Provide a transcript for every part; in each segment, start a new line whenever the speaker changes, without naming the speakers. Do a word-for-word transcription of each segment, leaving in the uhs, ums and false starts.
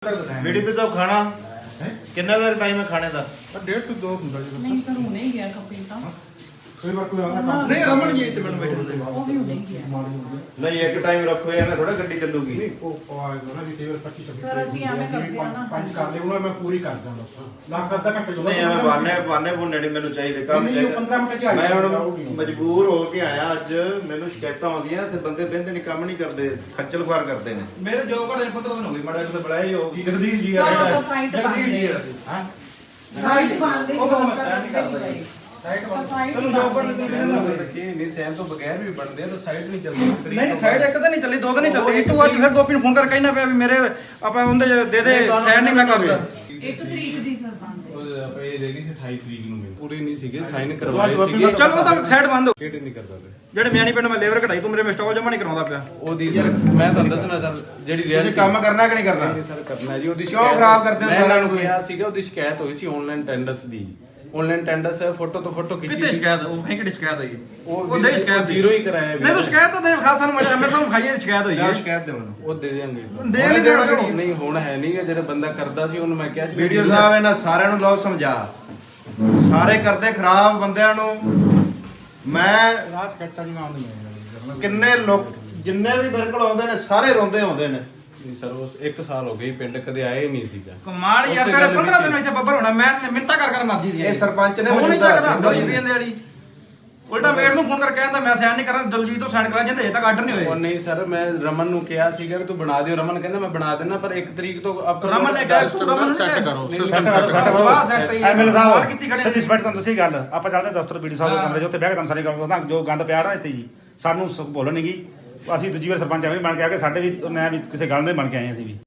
BDP साहब खाना कितना देर टाइम है खाने का?
डेढ़ टू दो ਹੁੰਦਾ ਜੀ
ਨਹੀਂ ਸਰ ਹੁਣੇ ਹੀ ਗਿਆ ਕੰਪਨੀ ਤਾਂ
ਕੋਈ ਵਾਰ ਕੋਈ ਆਉਂਦਾ
नहीं रमन जी इतने मिनट बैठे
ਉਹ ਵੀ ਹੁਣੇ ਹੀ ਗਿਆ
ਮਾੜੀ ਹੁੰਦੀ
नहीं एक टाइम रखो या मैं थोड़ा गड्डी चलूगी
ਨਹੀਂ ਉਹ ਆਏਗਾ ਨਾ ਜੀ ਕਈ ਵਾਰ ਪੱਚੀ ਛੱਬੀ
Sir, ਅਸੀਂ ਐਵੇਂ ਕਰਦੇ ਆ ਨਾ।
ਪੰਜ ਕਰ ਲਿਓ ਨਾ ਮੈਂ ਪੂਰੀ ਕਰ ਦਾਂ ਬਸ ਲੱਖ ਅੱਧਾ ਘੰਟੇ ਜਦੋਂ
नहीं मैं बाने बाने भुनने नहीं मैंने चाहिए काम
नहीं, नहीं, पंद्रह मिनट च आ
मैं
जाएगा,
ਹੁਣ ਮਜਬੂਰ ਹੋ ਕੇ ਆਇਆ ਅੱਜ ਮੈਨੂੰ ਸ਼ਿਕਾਇਤਾਂ ਆਉਂਦੀਆਂ ਤੇ ਬੰਦੇ ਬਹਿੰਦੇ ਨਹੀਂ ਕੰਮ ਨਹੀਂ ਕਰਦੇ ਖੱਜਲ ਖੁਆਰ ਕਰਦੇ ਨੇ
ਮੇਰੇ ਜੋਬ ਘੜੇ ਪੰਦਰਾਂ ਦਿਨ ਹੋ ਗਏ ਮਾੜਾ ਜਿਹਾ ਬੁਲਾਇਆ ਜੋ ਜਗਦੀਸ਼ ਜੀ ਆ
Sir, ਉਹ
ਜਿਹੜਾ
ਤਾਂ site
ਜਗਦੀਸ਼ ਜੀ ਆ
ਬੰਦ
ਹਾਂ
ਸਾਈਡ ਬੰਦੇ
ਉਹ ਤਾਂ ਮੈਂ plan ਨਹੀਂ ਕਰਦਾ ਜੀ।
ਸਾਈਡ ਬੰਦ
ਸਾਈਡ
ਤੈਨੂੰ ਜੋਬ ਘੜੇ ਦੇ ਬਿਨਾਂ ਨਾ
ਕਿ ਨਹੀਂ ਸੈਮ ਤੋਂ ਬਗੈਰ ਵੀ ਬਣਦੇ ਆ ਤਾਂ ਸਾਈਡ ਨਹੀਂ ਚੱਲਦੀ
ਨਹੀਂ ਨਹੀਂ ਸਾਈਡ ਇੱਕ ਤਾਂ ਨਹੀਂ ਚੱਲੀ ਦੋ ਤਾਂ ਨਹੀਂ ਚੱਲੀ ਇੱਕ ਵਾਰ ਫਿਰ ਗੋਪੀ ਨੂੰ ਫੋਨ ਕਰਕੇ ਕਹਿਣਾ ਪਿਆ ਵੀ ਮੇਰੇ ਆਪਾਂ ਉਹਦੇ ਦੇ ਦੇ ਸਾਈਡ ਨਹੀਂ ਮੈਂ ਕਰਦਾ
ਇੱਕ ਤਰੀਕ ਦੀ ਸਰ ਬੰਦ
ਉਹ ਆਪਾਂ ਇਹ ਦੇਖੀ ਸੀ ਅਠਾਈ ਤਰੀਕ ਨੂੰ ਮਿਲ ਪੂਰੇ ਨਹੀਂ ਸੀਗੇ ਸਾਈਨ ਕਰਵਾਏ
ਗੋਪੀ
ਸੀਗੇ
ਚਲੋ ਉਹ ਤਾਂ ਸਾਈਡ ਬੰਦ ਹੋ
ਕਿਹੜੇ ਨਹੀਂ ਕਰਦਾ ਪਿਆ
ਜਿਹੜੇ ਮਿਆਣੀ ਪਿੰਡ ਮੈਂ ਲੇਬਰ ਕਢਾਈ ਤੂੰ ਮੇਰੇ ਮਿਸਟਾਕ ਜਮਾ ਨਹੀਂ ਕਰਾਉਂਦਾ ਪਿਆ
ਉਹਦੀ ਸਰ ਮੈਂ ਤੁਹਾਨੂੰ ਦੱਸਣਾ ਸਰ ਜਿਹੜੀ
ਤੁਸੀਂ
reality-
ਕੰਮ ਕਰਨਾ ਕਿ ਨਹੀਂ ਕਰਨਾ?
ਨਹੀਂ ਸਰ ਕਰਨਾ ਜੀ ਉਹਦੀ
ਕਿਉਂ
ਸ਼ਿਕਾਇਤ-
ਖਰਾਬ ਕਰਦੇ ਹੋ
ਮੈਂ
ਸਾਰਿਆਂ
ਇਹਨਾਂ ਨੂੰ
ਨੂੰ?
ਕਿਹਾ ਸੀਗਾ ਉਹਦੀ ਸ਼ਿਕਾਇਤ ਹੋਈ ਸੀ ਆਨਲਾਈਨ ਟੈਂਡਰਸ ਦੀ ਆਨਲਾਈਨ ਟੈਂਡਰਸ ਫੋਟੋ ਤੋਂ ਫੋਟੋ ਖਿੱਚੀ
ਕਿਤੇ
ਸੀ।
ਸ਼ਿਕਾਇਤ ਉਹ ਕਹੀਂ ਕਿਹੜੀ ਸ਼ਿਕਾਇਤ ਹੋਈ
ਉਹ
ਉਹ ਦੇ ਸ਼ਿਕਾਇਤ
ਜ਼ੀਰੋ ਹੀ ਕਰਾਇਆ
ਨਹੀਂ ਤੂੰ ਸ਼ਿਕਾਇਤ ਤਾਂ ਦੇ ਖਾਸ ਸਾਨੂੰ ਮੈਂ ਮੇਰੇ ਤੋਂ ਖਾਈ ਸ਼ਿਕਾਇਤ ਹੋਈ
ਜਾਂ
ਹੈ
ਸ਼ਿਕਾਇਤ ਦੇ ਮੈਨੂੰ
ਉਹ ਦੇ ਦੇਣਗੇ
ਦੇ ਨਹੀਂ ਦੇਣਾ
ਨਹੀਂ ਹੁਣ ਹੈ ਨਹੀਂ ਗਾ, ਜਿਹੜਾ ਬੰਦਾ ਕਰਦਾ ਸੀ ਉਹਨੂੰ ਮੈਂ ਕਿਹਾ ਸੀ
ਵੀਡੀਓ ਸਾਹਿਬ ਇਹਨਾਂ ਸਾਰਿਆਂ ਨੂੰ ਲਓ ਸਮਝਾ ਸਾਰੇ ਕਰਦੇ ਖਰਾਬ ਬੰਦਿਆਂ ਨੂੰ ਮੈਂ
ਰਾਤ ਕੱਟਾ ਨਹੀਂ ਆਉਂਦੀ ਮੈਂ
ਕਿੰਨੇ ਲੋਕ ਜਿੰਨੇ ਵੀ ਬਿਰਕਲ ਆਉਂਦੇ ਨੇ ਸਾਰੇ ਰੋਂਦੇ ਆਉਂਦੇ ਨੇ
ਨਹੀਂ ਸਰ ਉਸ ਇੱਕ ਸਾਲ ਹੋ ਗਈ ਪਿੰਡ ਕਦੇ ਆਏ ਨਹੀਂ ਸੀਗਾ
ਕਮਾਲ ਯਾਰ
ਉਸੇ
ਤੇਰੇ
ਗੱਲ
ਪੰਦਰਾਂ
ਵਿੱਚ
ਦਿਨ ਵਿੱਚ ਬੱਬਰ ਹੋਣਾ ਮੈਂ ਮਿੰਤਾ ਕਰ ਕਰ ਮਰਜੀ ਦੀ
ਇਹ ਸਰਪੰਚ ਨੇ
ਫੋਨ ਨਹੀਂ
ਮੌਜੂਦਾ
ਚੱਕਦਾ
ਹੁੰਦਾ
ਦੋ ਰੁਪਏ ਦੇ ਵਾਲੀ ਉਲਟਾ ਮੇਡ ਨੂੰ ਫੋਨ ਕਰਕੇ ਕਹਿੰਦਾ ਮੈਂ ਸਾਈਨ ਨਹੀਂ ਕਰਨਾ ਦਲਜੀਤ ਤੋਂ ਸਾਈਨ ਕਰਾ ਜਾਂਦੇ ਹਜੇ ਤੱਕ ਆਰਡਰ ਨਹੀਂ
ਉਹ
ਹੋਏ
ਨਹੀਂ ਸਰ ਮੈਂ ਰਮਨ ਨੂੰ ਕਿਹਾ ਸੀਗਾ ਕਿ ਤੂੰ ਬਣਾ ਦਿਓ ਰਮਨ ਕਹਿੰਦਾ ਮੈਂ ਬਣਾ ਦੇਣਾ ਪਰ ਇੱਕ ਤਰੀਕ ਤੋਂ ਆਪਾਂ
ਰਮਨ ਨੇ ਕਿਹਾ ਤੂੰ ਰਮਨ
ਸੈੱਟ ਕਰੋ
ਨਹੀਂ,
ਸਿਸਟਮ
ਸੈੱਟ
ਸੈੱਟ
ਕਰੋ।
ਕਰੋ
ਸਵਾਹ ਸੈੱਟ ਹੀ
ਐਮਐਲ
ਸਵਾਲ ਕੀਤੀ
ਸਾਹਿਬ
ਖੜੇ
ਸੱਚੀ ਸਪੈਟ ਤੁਹਾਨੂੰ ਦੱਸੀ ਗੱਲ ਆਪਾਂ ਚੱਲਦੇ ਦਫ਼ਤਰ ਬੀਡੀ ਸਾਹਿਬ ਦੇ ਕਮਰੇ 'ਚ ਉੱਥੇ ਬਹਿ ਕੇ ਤੁਹਾਨੂੰ ਸਾਰੀ ਗੱਲ ਦੱਸਦਾ ਜੋ ਗੰਦ ਪਿਆ ਨਾ ਇੱਥੇ ਜੀ ਸਾਨੂੰ ਸ- ਬੋਲਣ ਨਹੀਂ ਗਈ ਅਸੀਂ ਦੂਜੀ ਵਾਰ ਸਰਪੰਚ ਐਵੇਂ ਬਣ ਕੇ ਆ ਕੇ ਸਾਡੇ ਵੀ ਮੈਂ ਵੀ ਕਿਸੇ ਗੱਲ ਦੇ ਬਣ ਕੇ ਆਏ ਅਸੀਂ ਵੀ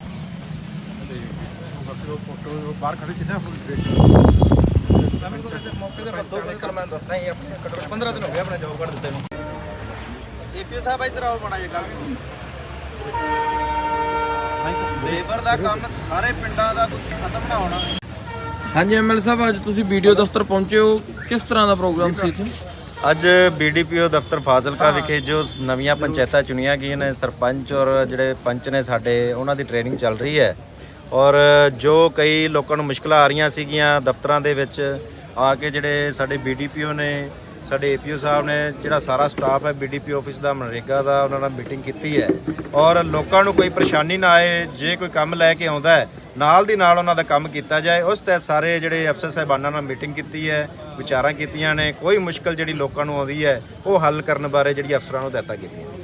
ਉਹ ਫੋਟੋ ਬਾਹਰ ਖੜੇ ਸੀ ਨਾ
ਮੌਕੇ ਤੇ ਦੋ ਕਰ ਮੈਂ ਦੱਸਣਾ ਹੀ ਆਪਣੇ ਘੱਟੋ ਪੰਦਰਾਂ ਦਿਨ ਹੋ ਗਏ ਆਪਣੇ ਜੋਬ ਕਰ ਦਿੱਤੇ ਨੂੰ
ਏਪੀਓ ਸਾਹਿਬ ਇੱਧਰ ਆਓ ਮਾੜਾ ਜਿਹਾ ਗੱਲ ਲੇਬਰ ਦਾ ਕੰਮ ਸਾਰੇ ਪਿੰਡਾਂ ਦਾ ਖਤਮ ਨਾ ਹੋਣਾ।
ਹਾਂਜੀ ਐਮਐਲ ਸਾਹਿਬ ਅੱਜ ਤੁਸੀਂ ਵੀਡੀਓ ਦਫ਼ਤਰ ਪਹੁੰਚੇ ਹੋ ਕਿਸ ਤਰ੍ਹਾਂ ਦਾ ਪ੍ਰੋਗਰਾਮ ਸੀ ਇੱਥੇ
ਅੱਜ ਬੀਡੀਪੀਓ ਦਫ਼ਤਰ ਫਾਜ਼ਿਲਕਾ ਵਿਖੇ ਜੋ ਨਵੀਆਂ ਪੰਚਾਇਤਾਂ ਚੁਣੀਆਂ ਗਈਆਂ ਨੇ ਸਰਪੰਚ ਔਰ ਜਿਹੜੇ ਪੰਚ ਨੇ ਸਾਡੇ ਉਹਨਾਂ ਦੀ ਟ੍ਰੇਨਿੰਗ ਚੱਲ ਰਹੀ ਹੈ ਔਰ ਜੋ ਕਈ ਲੋਕਾਂ ਨੂੰ ਮੁਸ਼ਕਲਾਂ ਆ ਰਹੀਆਂ ਸੀਗੀਆਂ ਦਫ਼ਤਰਾਂ ਦੇ ਵਿੱਚ ਆ ਕੇ ਜਿਹੜੇ ਸਾਡੇ ਬੀਡੀਪੀਓ ਨੇ ਸਾਡੇ ਏਪੀਓ ਸਾਹਿਬ ਨੇ ਜਿਹੜਾ ਸਾਰਾ ਸਟਾਫ ਹੈ ਬੀਡੀਪੀ ਆਫਿਸ ਦਾ ਮਨਰੇਗਾ ਦਾ ਉਹਨਾਂ ਨਾਲ ਮੀਟਿੰਗ ਕੀਤੀ ਹੈ ਔਰ ਲੋਕਾਂ ਨੂੰ ਕੋਈ ਪਰੇਸ਼ਾਨੀ ਨਾ ਆਏ ਜੇ ਕੋਈ ਕੰਮ ਲੈ ਕੇ ਆਉਂਦਾ ਹੈ ਨਾਲ ਦੀ ਨਾਲ ਉਹਨਾਂ ਦਾ ਕੰਮ ਕੀਤਾ ਜਾਏ ਉਸ ਤਹਿਤ ਸਾਰੇ ਜਿਹੜੇ ਅਫਸਰ ਸਾਹਿਬਾਨਾਂ ਨਾਲ ਮੀਟਿੰਗ ਕੀਤੀ ਹੈ ਵਿਚਾਰਾਂ ਕੀਤੀਆਂ ਨੇ ਕੋਈ ਮੁਸ਼ਕਲ ਜਿਹੜੀ ਲੋਕਾਂ ਨੂੰ ਆਉਂਦੀ ਹੈ ਉਹ ਹੱਲ ਕਰਨ ਬਾਰੇ ਜਿਹੜੀ ਅਫਸਰਾਂ ਨੂੰ ਹਦਾਇਤਾਂ ਕੀਤੀਆਂ।